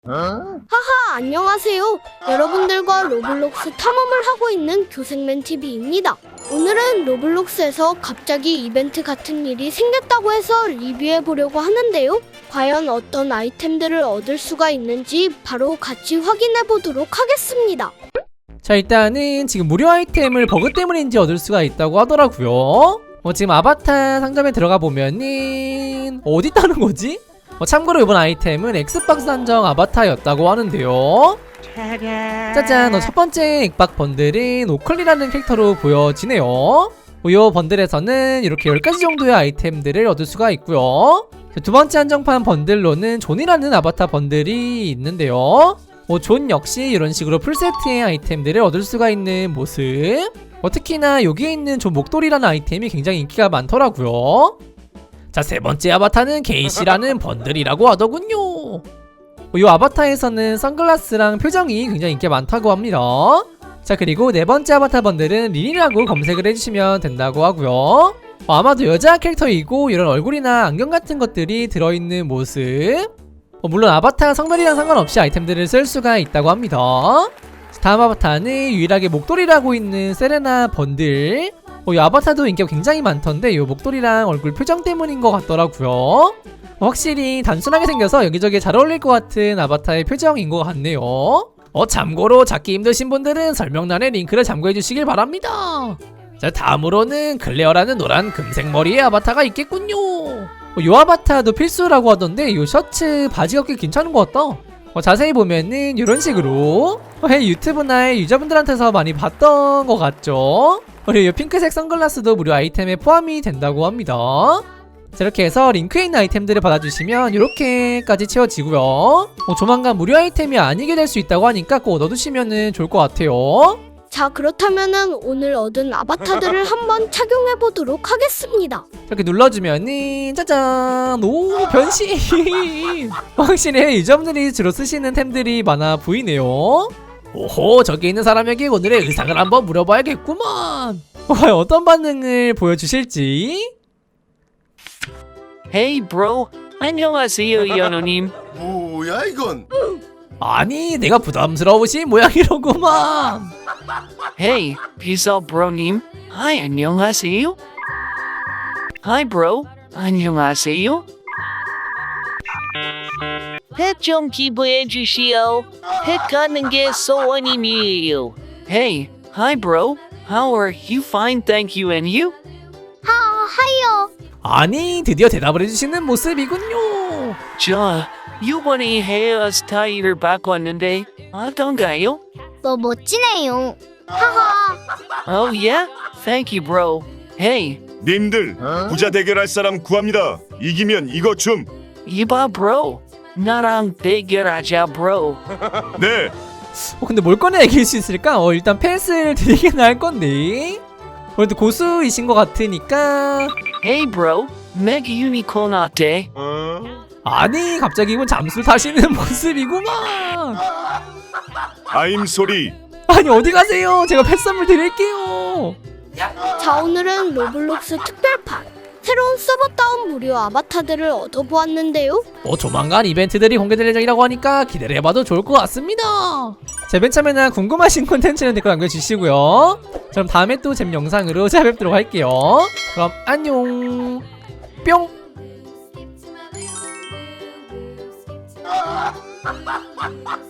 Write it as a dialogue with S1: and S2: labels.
S1: 하하, 안녕하세요. 여러분들과 로블록스 탐험을 하고 있는 교생맨TV입니다. 오늘은 로블록스에서 갑자기 이벤트 같은 일이 생겼다고 해서 리뷰해보려고 하는데요. 과연 어떤 아이템들을 얻을 수가 있는지 바로 같이 확인해보도록 하겠습니다.
S2: 자, 일단은 지금 무료 아이템을 버그 때문인지 얻을 수가 있다고 하더라고요. 지금 아바타 상점에 들어가 보면은 어디 있다는 거지? 참고로 이번 아이템은 엑스박스 한정 아바타였다고 하는데요. 짜잔, 첫 번째 액박 번들은 오클리라는 캐릭터로 보여지네요. 이 번들에서는 이렇게 10가지 정도의 아이템들을 얻을 수가 있고요. 두 번째 한정판 번들로는 존이라는 아바타 번들이 있는데요. 존 역시 이런 식으로 풀세트의 아이템들을 얻을 수가 있는 모습. 특히나 여기에 있는 존 목도리라는 아이템이 굉장히 인기가 많더라고요. 자, 세 번째 아바타는 게이시라는 번들이라고 하더군요. 이 아바타에서는 선글라스랑 표정이 굉장히 인기가 많다고 합니다. 자, 그리고 네 번째 아바타 번들은 린이라고 검색을 해주시면 된다고 하고요. 아마도 여자 캐릭터이고 이런 얼굴이나 안경 같은 것들이 들어있는 모습. 물론 아바타 성별이랑 상관없이 아이템들을 쓸 수가 있다고 합니다. 다음 아바타는 유일하게 목도리라고 있는 세레나 번들. 이 아바타도 인기가 굉장히 많던데 이 목도리랑 얼굴 표정 때문인 것 같더라고요. 확실히 단순하게 생겨서 여기저기 잘 어울릴 것 같은 아바타의 표정인 것 같네요. 참고로 찾기 힘드신 분들은 설명란에 링크를 참고해 주시길 바랍니다. 자, 다음으로는 클레어라는 노란 금색 머리의 아바타가 있겠군요. 이 아바타도 필수라고 하던데 이 셔츠 바지가 꽤 괜찮은 것 같다. 자세히 보면은 이런 식으로 유튜브나 유저분들한테서 많이 봤던 것 같죠. 그리고 이 핑크색 선글라스도 무료 아이템에 포함이 된다고 합니다. 자, 이렇게 해서 링크에 있는 아이템들을 받아주시면 이렇게까지 채워지고요. 조만간 무료 아이템이 아니게 될 수 있다고 하니까 꼭 넣어두시면 좋을 것 같아요.
S1: 자, 그렇다면은 오늘 얻은 아바타들을 한번 착용해보도록 하겠습니다.
S2: 이렇게 눌러주면은 짜잔, 오, 변신. 확실히 유저분들이 주로 쓰시는 템들이 많아 보이네요. 오호, 저기 있는 사람에게 오늘의 의상을 한번 물어봐야겠구만. 과연 어떤 반응을 보여주실지.
S3: Hey bro, 안녕하세요 연우님.
S4: 뭐야 이건?
S2: 아니, 내가 부담스러우신 모양이로구만.
S3: Hey, 비서 bro님. Hi, 안녕하세요. Hi bro, 안녕하세요. 펫 좀 기부해 주시오. 펫 가는 게 소원임이에요. Hey, hi bro. How are you? Fine, thank you. And you?
S1: 하이요.
S2: 아니, 드디어 대답을 해주시는 모습이군요.
S3: 저 이번에 헤어스타일을 바꿨는데 어떤가요?
S1: 너 멋지네요. 하하.
S3: Oh yeah? Thank you bro. Hey,
S4: 님들 부자 대결할 사람 구합니다. 이기면 이거 줌.
S3: 이봐 bro. 나랑 대결하자 bro.
S4: 네.
S2: 근데 뭘 꺼내 얘기할 수 있을까? 일단 펜스를 드리긴 할 건데. 그래도 고수이신 것 같으니까.
S3: Hey bro. 메가 유니콘 어때?
S2: 아니, 갑자기 이분 잠수를 타시는 모습이구만.
S4: 아임 소리.
S2: 아니, 어디 가세요? 제가 펫 선물 드릴게요.
S1: 자, 오늘은 로블록스 특별판 새로운 서버 다운 무료 아바타들을 얻어보았는데요.
S2: 조만간 이벤트들이 공개될 예정이라고 하니까 기대를 해봐도 좋을 것 같습니다. 제 맨 처음에나 궁금하신 콘텐츠는 댓글 남겨주시고요. 그럼 다음에 또 재밌는 영상으로 찾아뵙도록 할게요. 그럼 안녕. 뿅.